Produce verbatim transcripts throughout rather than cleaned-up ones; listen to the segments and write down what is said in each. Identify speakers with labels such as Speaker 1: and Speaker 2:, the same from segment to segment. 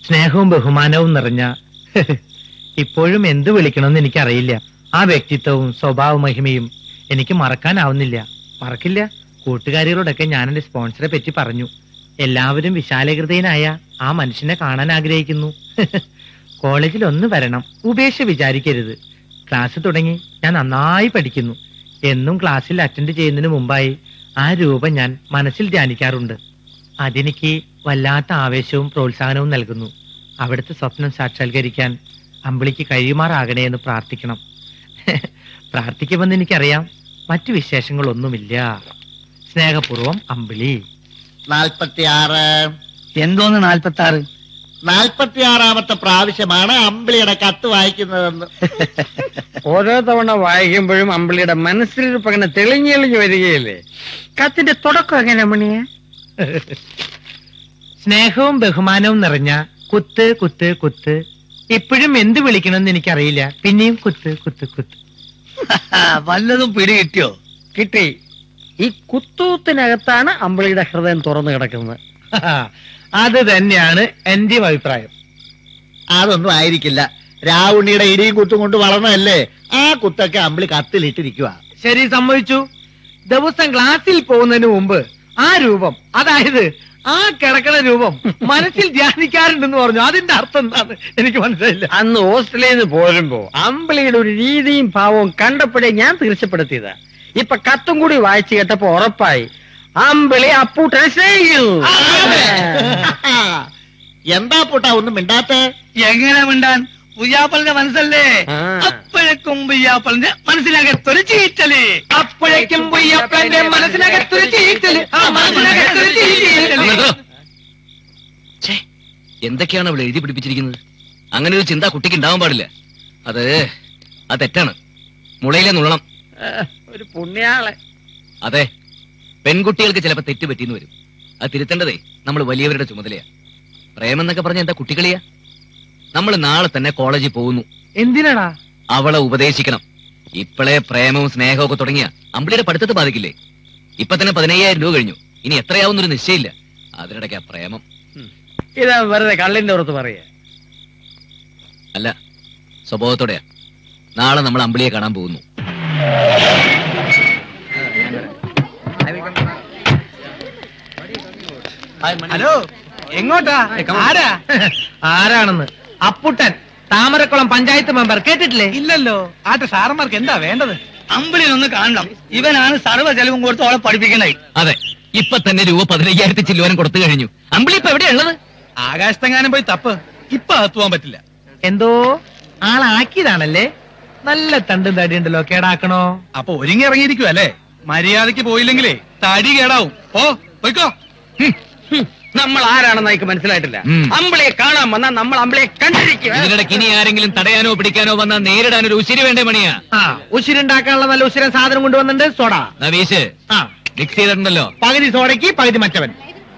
Speaker 1: സ്നേഹവും ബഹുമാനവും നിറഞ്ഞ ഇപ്പോഴും എന്ത് വിളിക്കണമെന്ന് എനിക്കറിയില്ല. ആ വ്യക്തിത്വവും സ്വഭാവ മഹിമയും എനിക്ക് മറക്കാനാവുന്നില്ല. മറക്കില്ല. കൂട്ടുകാരികളോടൊക്കെ ഞാൻ എന്റെ സ്പോൺസറെ പറ്റി പറഞ്ഞു. എല്ലാവരും വിശാലഹൃദയനായ ആ മനുഷ്യനെ കാണാൻ ആഗ്രഹിക്കുന്നു. കോളേജിൽ ഒന്ന് വരണം, ഉപേക്ഷ വിചാരിക്കരുത്. ക്ലാസ് തുടങ്ങി ഞാൻ നന്നായി പഠിക്കുന്നു. എന്നും ക്ലാസ്സിൽ അറ്റൻഡ് ചെയ്യുന്നതിന് മുമ്പായി ആ രൂപം ഞാൻ മനസ്സിൽ ധ്യാനിക്കാറുണ്ട്. അതെനിക്ക് വല്ലാത്ത ആവേശവും പ്രോത്സാഹനവും നൽകുന്നു. അവിടുത്തെ സ്വപ്നം സാക്ഷാത്കരിക്കാൻ അമ്പിളിക്ക് കഴിയുമാറാകണേ എന്ന് പ്രാർത്ഥിക്കണം. പ്രാർത്ഥിക്കുമെന്ന് എനിക്കറിയാം. മറ്റു വിശേഷങ്ങളൊന്നുമില്ല. സ്നേഹപൂർവം അമ്പിളി.
Speaker 2: നാൽപ്പത്തിയാറ്.
Speaker 3: എന്തോന്ന് നാൽപ്പത്തി ആറ്?
Speaker 2: നാൽപ്പത്തിയാറാമത്തെ പ്രാവശ്യമാണ് അമ്പിളിയുടെ കത്ത് വായിക്കുന്നതെന്ന്.
Speaker 3: ഓരോ തവണ വായിക്കുമ്പോഴും അമ്പിളിയുടെ മനസ്സിലിരിപ്പ് അങ്ങനെ തെളിഞ്ഞെളിഞ്ഞു വരികയല്ലേ. കത്തിന്റെ തുടക്കം എങ്ങനെ മണിയ?
Speaker 1: സ്നേഹവും ബഹുമാനവും നിറഞ്ഞ കുത്ത് കുത്ത് കുത്ത്. ഇപ്പോഴും എന്ത് വിളിക്കണമെന്ന് എനിക്കറിയില്ല. പിന്നെയും കുത്ത് കുത്ത് കുത്ത്.
Speaker 3: വല്ലതും പിടി കിട്ടിയോ? കിട്ടി. ഈ കുത്തൂത്തിനകത്താണ് അമ്പിളിയുടെ ഹൃദയം തുറന്നു കിടക്കുന്നത്.
Speaker 1: അത് തന്നെയാണ് എന്റെ അഭിപ്രായം.
Speaker 2: അതൊന്നും ആയിരിക്കില്ല. രാവുണ്ണിയുടെ ഇടിയും കുത്തും കൊണ്ട് വളർന്നതല്ലേ. ആ കുത്തൊക്കെ അമ്പിളി കത്തിലിട്ടിരിക്കുക.
Speaker 1: ശരി, സമ്മതിച്ചു. ദിവസം ക്ലാസ്സിൽ പോകുന്നതിന് മുമ്പ് ആ രൂപം, അതായത് ആ കിടക്കണ രൂപം മനസ്സിൽ ധ്യാനിക്കാറുണ്ടെന്ന് പറഞ്ഞു. അതിന്റെ അർത്ഥം എന്താണ് എനിക്ക് മനസ്സിലായില്ല.
Speaker 3: അന്ന് ഹോസ്റ്റലിൽ നിന്ന് പോരുമ്പോ അമ്പിളിയുടെ ഒരു രീതിയും ഭാവവും കണ്ടപ്പോഴേ ഞാൻ തീർച്ചപ്പെടുത്തിയതാ. ഇപ്പൊ കത്തും കൂടി വായിച്ചു കേട്ടപ്പോ ഉറപ്പായി അമ്പിളി അപ്പൂട്ടനെ സ്നേഹിക്കുന്നു.
Speaker 2: എന്താ പൂട്ടാ ഒന്നും മിണ്ടാത്തെ?
Speaker 4: എങ്ങനെ മിണ്ടാൻ? പുയ്യാപ്പളിന്റെ മനസ്സല്ലേ. അപ്പോഴേക്കും പുയ്യാപ്പളിന്റെ മനസ്സിനകത്തൊരു ചീറ്റല്.
Speaker 1: അപ്പോഴേക്കും പുയ്യാപ്പളിന്റെ മനസ്സിനകത്തൊരു ചീറ്റല്.
Speaker 5: എന്തൊക്കെയാണ് അവൾ എഴുതി പിടിപ്പിച്ചിരിക്കുന്നത്? അങ്ങനെ ഒരു ചിന്ത കുട്ടിക്ക് ഉണ്ടാവാൻ പാടില്ല. അത് അത് തെറ്റാണ്. മുളയിലെ നുള്ളണം.
Speaker 3: ഒരു പുണ്യാളെ.
Speaker 5: അതെ, പെൺകുട്ടികൾക്ക് ചിലപ്പോ തെറ്റ് പറ്റിയെന്ന് വരും. അത് തിരുത്തേണ്ടതേ നമ്മൾ വലിയവരുടെ ചുമതലയാ. പ്രേമം എന്നൊക്കെ പറഞ്ഞ എന്താ കുട്ടികളിയാ? നമ്മൾ നാളെ തന്നെ കോളേജിൽ പോകുന്നു.
Speaker 1: എന്തിനാടാ?
Speaker 5: അവളെ ഉപദേശിക്കണം. ഇപ്പോഴേ പ്രേമവും സ്നേഹവും ഒക്കെ തുടങ്ങിയ അമ്പിളിയുടെ പഠിത്തത്തെ ബാധിക്കില്ലേ? ഇപ്പൊ തന്നെ പതിനയ്യായിരം രൂപ കഴിഞ്ഞു. ഇനി എത്രയാവുന്നൊരു നിശ്ചയില്ല. അതിനിടയ്ക്കാ പ്രേമം.
Speaker 3: ഇതാ വെറുതെ കള്ളിന്റെ പുറത്ത് പറയാ.
Speaker 5: അല്ല, സ്വഭാവത്തോടെയാ. നാളെ നമ്മൾ അമ്പിളിയെ കാണാൻ പോകുന്നു.
Speaker 1: ഹലോ, എങ്ങോട്ടാ? ആരാ? ആരാണെന്ന്? അപ്പുട്ടൻ, താമരക്കുളം പഞ്ചായത്ത് മെമ്പർ. കേട്ടിട്ടില്ലേ?
Speaker 4: ഇല്ലല്ലോ. ആട്ടെ, സാറന്മാർക്ക് എന്താ വേണ്ടത്? അമ്പിളിനൊന്ന് കാണണം. ഇവനാണ് സർവ്വ ചെലവും കൊടുത്ത് അവളെ പഠിപ്പിക്കണേ.
Speaker 5: അതെ, ഇപ്പൊ തന്നെ രൂപ പതിനയ്യായിരത്തി ചില്ലുവാനും കൊടുത്തു കഴിഞ്ഞു. അമ്പിളി ഇപ്പൊ എവിടെയുള്ളത്?
Speaker 4: ആകാശത്തെങ്ങാനും പോയി തപ്പ്. ഇപ്പൊ അകത്തുവാൻ പറ്റില്ല.
Speaker 1: എന്തോ ആളാക്കിയതാണല്ലേ. നല്ല തണ്ടും തടിയുണ്ടല്ലോ. കേടാക്കണോ?
Speaker 4: അപ്പൊ ഒരുങ്ങി ഇറങ്ങിയിരിക്കും അല്ലേ? മര്യാദക്ക് പോയില്ലെങ്കിലേ തടി കേടാവും. ഓ പോയിക്കോ.
Speaker 3: നമ്മൾ ആരാണെന്ന് എനിക്ക് മനസ്സിലായിട്ടില്ല.
Speaker 5: ഉം.
Speaker 3: അമ്പിളിയെ കാണാൻ വന്നാൽ നമ്മൾ അമ്പിളിയെ കണ്ടിരിക്കും.
Speaker 5: ഇതിനിടയ്ക്ക് ഇനി ആരെങ്കിലും തടയാനോ പിടിക്കാനോ വന്നാൽ നേരിടാൻ ഒരു ഉശിരി വേണ്ടേ മണിയാ?
Speaker 1: ആ, ഉശിരുണ്ടാക്കാനുള്ള നല്ല ഉശിരൻ സാധനം കൊണ്ടുവന്നിട്ടുണ്ട്. സോഡ.
Speaker 5: നവീഷ്,
Speaker 1: ആ,
Speaker 5: മിക്സ് ചെയ്തിട്ടുണ്ടല്ലോ.
Speaker 1: പകുതി സോഡയ്ക്ക് പകുതി മറ്റവൻ.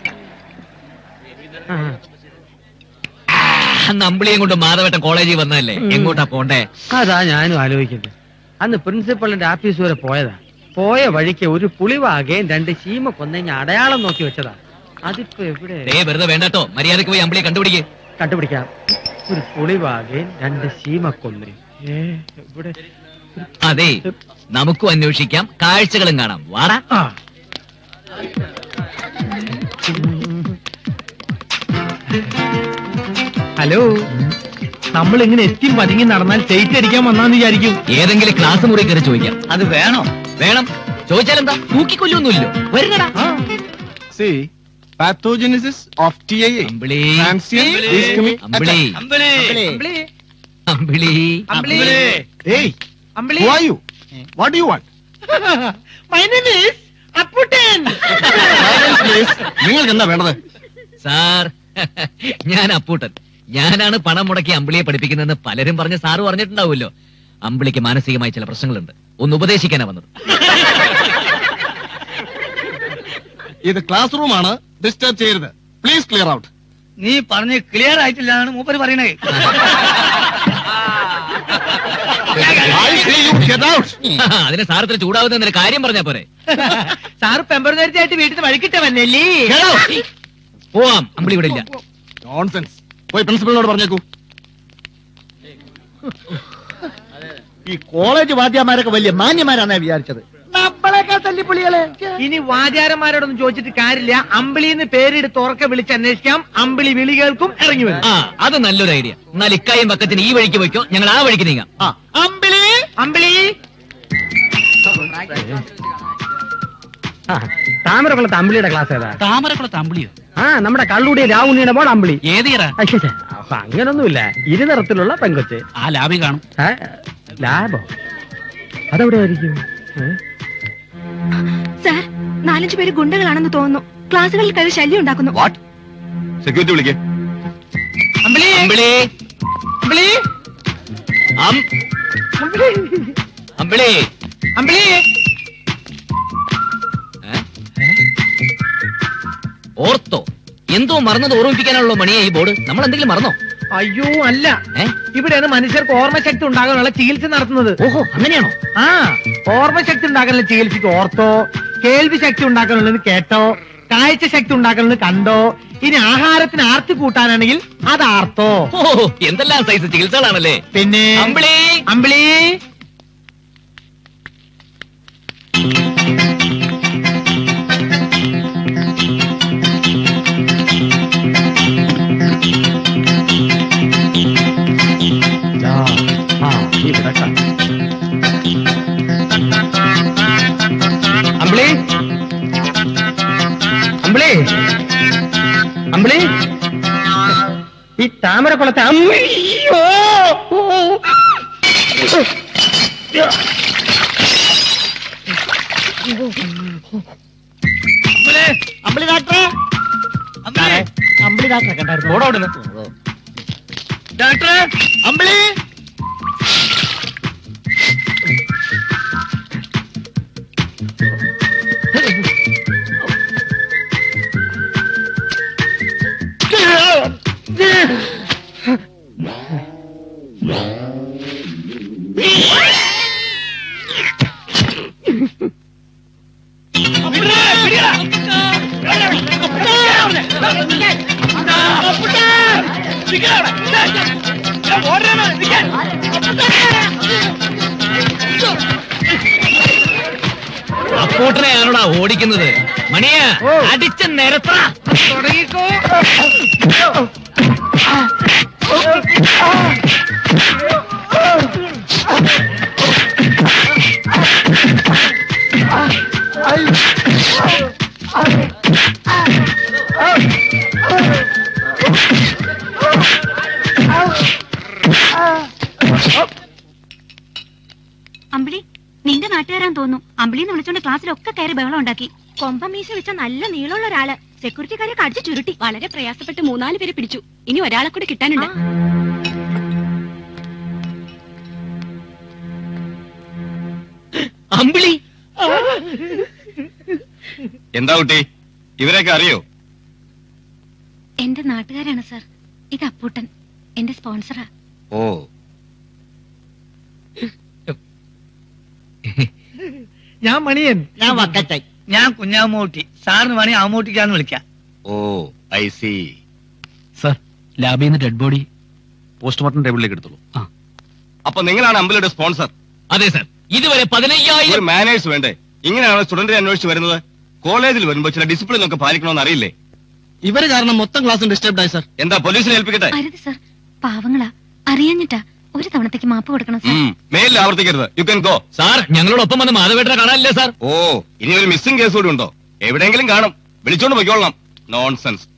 Speaker 5: അന്ന് അമ്പിളിയും കൊണ്ട് മാധവട്ടം കോളേജിൽ വന്നതല്ലേ. എങ്ങോട്ടാ പോണ്ടേ?
Speaker 3: അതാ ഞാനും ആലോചിക്കുന്നത്. അന്ന് പ്രിൻസിപ്പളിന്റെ ആഫീസ് വരെ പോയതാ. പോയ വഴിക്ക് ഒരു പുളിവാകയും രണ്ട് ചീമ കൊന്നഞ്ഞ അടയാളം നോക്കി വെച്ചതാ. അതിപ്പോ എവിടെ?
Speaker 5: ദേ വെറുതെ വേണ്ടട്ടോ. മര്യാദക്ക് പോയി അമ്പിളിയെ കണ്ടുപിടിക്ക്.
Speaker 3: കണ്ടുപിടിക്കാം. ഒരു പുളിവാകയും രണ്ട് ചീമക്കൊന്ന്. ഇവിടെ
Speaker 5: അതെ, നമുക്കും അന്വേഷിക്കാം, കാഴ്ചകളും കാണാം. വാടാ.
Speaker 1: ആ, ഹലോ, നമ്മൾ ഇങ്ങനെ എത്തി പതുങ്ങി നടന്നാൽ ചേച്ചി അടിക്കാൻ വന്നാന്ന് വിചാരിക്കും.
Speaker 5: ഏതെങ്കിലും ക്ലാസ് മുറി കയറി ചോദിക്കാം.
Speaker 4: അത് വേണോ?
Speaker 5: വേണം. ചോദിച്ചാലെന്താ? തൂക്കിക്കൊല്ലൊന്നുമില്ലോ. വരുന്നടാ.
Speaker 6: See, pathogenesis of T I A.
Speaker 5: Ambili,
Speaker 6: Transient ischemic
Speaker 5: Ambili,
Speaker 6: attack.
Speaker 4: Ambili.
Speaker 1: Ambili,
Speaker 5: Ambili.
Speaker 1: Ambili,
Speaker 6: Hey,
Speaker 1: Ambili.
Speaker 6: who are you? What do you want?
Speaker 1: My name is Apputtan.
Speaker 6: Silence, please. നിങ്ങൾക്ക് എന്താ വേണ്ടത്?
Speaker 5: സാർ, ഞാൻ അപ്പൂട്ടൻ. ഞാനാണ് പണം മുടക്കി അമ്പിളിയെ പഠിപ്പിക്കുന്നതെന്ന് പലരും പറഞ്ഞ് സാറ് പറഞ്ഞിട്ടുണ്ടാവുമല്ലോ. അമ്പിളിക്ക് മാനസികമായി ചില പ്രശ്നങ്ങളുണ്ട്. ഒന്ന് ഉപദേശിക്കാനാ വന്നത്.
Speaker 6: ഇത് ക്ലാസ് റൂം ആണ്. ഡിസ്റ്റർബ് ചെയ്യരുത്. Please clear out.
Speaker 4: നീ പറഞ്ഞ് ക്ലിയർ ആയിട്ടില്ലാണ് മൂപ്പര് പറയണേ.
Speaker 6: I say you get out.
Speaker 5: അതിന് സാറത്തിന് ചൂടാവുന്ന കാര്യം പറഞ്ഞാ പോരെ?
Speaker 1: സാറ് പെമ്പറുന്നേരത്തായിട്ട് വീട്ടിൽ വഴിക്കിട്ട വന്നല്ലേ?
Speaker 5: പോവാം. അമ്പിളി ഇവിടെ ഇല്ല.
Speaker 6: Nonsense. പോയി പ്രിൻസിപ്പലിനോട് പറഞ്ഞേക്കൂ.
Speaker 2: ഈ കോളേജ് വാദ്യമാരൊക്കെ വലിയ മാന്യമാരാന്നാ വിചാരിച്ചത്. നമ്മളെക്കാൾ തല്ലിപ്പൊളികളെ.
Speaker 1: ഇനി വാചാരന്മാരോടൊന്നും ചോദിച്ചിട്ട് കാര്യമില്ല. അമ്പിളിന്ന് പേരെടുത്ത് ഉറക്കെ വിളിച്ച് അന്വേഷിക്കാം. അമ്പിളി വിളി കേൾക്കും, ഇറങ്ങി വരും.
Speaker 5: ആ അത് നല്ലൊരു ഐഡിയ. എന്നാൽ ഇക്കായും പക്കത്തിന് ഈ വഴിക്ക് പോയിക്കോ, ഞങ്ങൾ ആ വഴിക്ക് നീങ്ങാം.
Speaker 2: ആ, അമ്പിളി
Speaker 1: അമ്പിളി
Speaker 3: ആ, താമരക്കുളത്ത് അമ്പിളിയുടെ ക്ലാസ് ഏതാ?
Speaker 4: താമരക്കുളത്ത് അമ്പിളിയോ?
Speaker 3: ആ നമ്മുടെ കള്ളുടി രാവുണ്ണിയുടെ മോൾ അമ്പിളി.
Speaker 4: ഏതീറ?
Speaker 3: അയ്യോ, അപ്പൊ അങ്ങനൊന്നുമില്ല. ഇരുനിറത്തിലുള്ള പെങ്കൊച്ച്.
Speaker 4: ആ ലാബി കാണും.
Speaker 3: ആ, ലാബോ? അതെവിടെ ആയിരിക്കും?
Speaker 7: സാർ, നാലഞ്ചു പേര് ഗുണ്ടകളാണെന്ന് തോന്നുന്നു. ക്ലാസ്സുകളിൽ കയറി ശല്യം ഉണ്ടാക്കുന്നു.
Speaker 6: വാട്ട്? സെക്യൂരിറ്റി വിളിക്കേ.
Speaker 1: അമ്പിളി
Speaker 5: അമ്പിളി
Speaker 1: അമ്പിളി
Speaker 5: അം- അമ്പിളി
Speaker 1: അമ്പിളി
Speaker 5: ഏ? ഓർത്തോ? എന്തോ മറന്നത് ഓർമ്മിപ്പിക്കാനുള്ള മണിയെ ഈ ബോർഡ്. നമ്മൾ എന്തെങ്കിലും മറന്നോ?
Speaker 1: അയ്യോ അല്ല,
Speaker 5: ഏ?
Speaker 1: ഇവിടെയാണ് മനുഷ്യർക്ക് ഓർമ്മശക്തി ഉണ്ടാകാനുള്ള ചികിത്സ നടത്തുന്നത്.
Speaker 5: ഓഹോ, അങ്ങനെയാണോ?
Speaker 1: ആ, ഓർമ്മശക്തി ഉണ്ടാക്കാനുള്ള ചികിത്സയ്ക്ക് ഓർത്തോ, കേൾവി ശക്തി ഉണ്ടാക്കാനുള്ളത് കേട്ടോ, കാഴ്ച ശക്തി ഉണ്ടാക്കാനുള്ളത് കണ്ടോ, ഇനി ആഹാരത്തിന് ആർത്തി കൂട്ടാനാണെങ്കിൽ അത് ആർത്തോ.
Speaker 5: ഓ, എന്തെല്ലാം സൈസ് ചികിത്സകളാണല്ലേ.
Speaker 1: പിന്നെ
Speaker 5: അമ്പിളി
Speaker 1: അമ്പിളി
Speaker 3: ആ, ഇവിടെ കാണാം. അമ്പിളി അമ്പിളി അമ്പിളി ഈ താമരക്കുളത്തെ അമ്മിയോ.
Speaker 2: അമ്പിളി ഡാക്ടറെ,
Speaker 1: അമ്പിളി
Speaker 2: അമ്പിളി ഡാക്ടറെ കണ്ടായിരുന്നു.
Speaker 1: ഓടോടുന്നു. ഡോക്ടറെ
Speaker 2: അമ്പിളി
Speaker 5: അപ്പോട്ടനെയാണോടാ ഓടിക്കുന്നത്? മണിയ അടിച്ച നിരത്ര
Speaker 1: തുടങ്ങിക്കോ.
Speaker 7: അമ്പിളി, നിന്റെ നാട്ടുകാരാൻ തോന്നുന്നു. അമ്പിളിന്ന് വിളിച്ചോണ്ട് ക്ലാസ്സിലൊക്കെ കയറി ബഹളം ഉണ്ടാക്കി. കൊമ്പമീശ വെച്ച നല്ല നീളമുള്ള ഒരാള് സെക്യൂരിറ്റിക്കാരെ കടിച്ചു ചുരുട്ടി. വളരെ പ്രയാസപ്പെട്ട് മൂന്നാല് പേര് പിടിച്ചു. ഇനി ഒരാളെ കൂടി കിട്ടാനുണ്ട്.
Speaker 5: അമ്പിളി
Speaker 6: എന്താ കുട്ടി, ഇവരെയൊക്കെ അറിയോ?
Speaker 7: എന്റെ നാട്ടുകാരാണ് സാർ. ഇത് അപ്പൂട്ടൻ, എന്റെ സ്പോൺസറാ.
Speaker 6: ഓ,
Speaker 1: ഞാൻ മണിയൻ.
Speaker 2: ഞാൻ വക്കറ്റായി.
Speaker 4: ഞാൻ കുഞ്ഞാമൂട്ടി. സാറിന് വേണേ ആമൂട്ടിക്കാന്ന് വിളിക്കാം.
Speaker 6: ഓ, ഐ സി.
Speaker 4: സർ, ലാബിൽ നിന്ന് ഡെഡ് ബോഡി
Speaker 6: പോസ്റ്റ്മോർട്ടം ടേബിളിലേക്ക് എടുത്തോളൂ. അപ്പൊ നിങ്ങളാണ് അമ്പിളിയുടെ സ്പോൺസർ?
Speaker 5: അതെ സർ. ഇതുവരെ
Speaker 6: ഒരു
Speaker 5: പതിനയ്യായിരം
Speaker 6: മാനേഴ്സ് വേണ്ടേ? ഇങ്ങനെയാണ് സ്റ്റുഡന്റിനെ അന്വേഷിച്ച് വരുന്നത്. കോളേജിൽ വരുമ്പോ ചില ഡിസിപ്ലിൻ ഒക്കെ പാലിക്കണമെന്ന് അറിയില്ലേ?
Speaker 8: ഇവര് കാരണം മൊത്തം ക്ലാസ് ഡിസ്റ്റർബ് ആയി സർ.
Speaker 6: എന്താ പോലീസിനെ ഏൽപ്പിക്കട്ടെ?
Speaker 7: അരുത് സാർ, പാവങ്ങളാ, അറിയാഞ്ഞിട്ടാ. ഒരു തവണത്തേക്ക് മാപ്പ് കൊടുക്കണം സാർ.
Speaker 6: ഉം, മേലിൽ ആവർത്തിക്കരുത്. You can go.
Speaker 5: സാർ, ഞങ്ങളോടൊപ്പം വന്ന് മാധവേട്ടനെ കാണാനില്ലേ സാർ?
Speaker 6: ഓ, ഇനി ഒരു മിസ്സിംഗ് കേസ് കൂടി ഉണ്ടോ? എവിടെയെങ്കിലും കാണും. വിളിച്ചോണ്ട് പോയിക്കോളണം. നോൺസെൻസ്.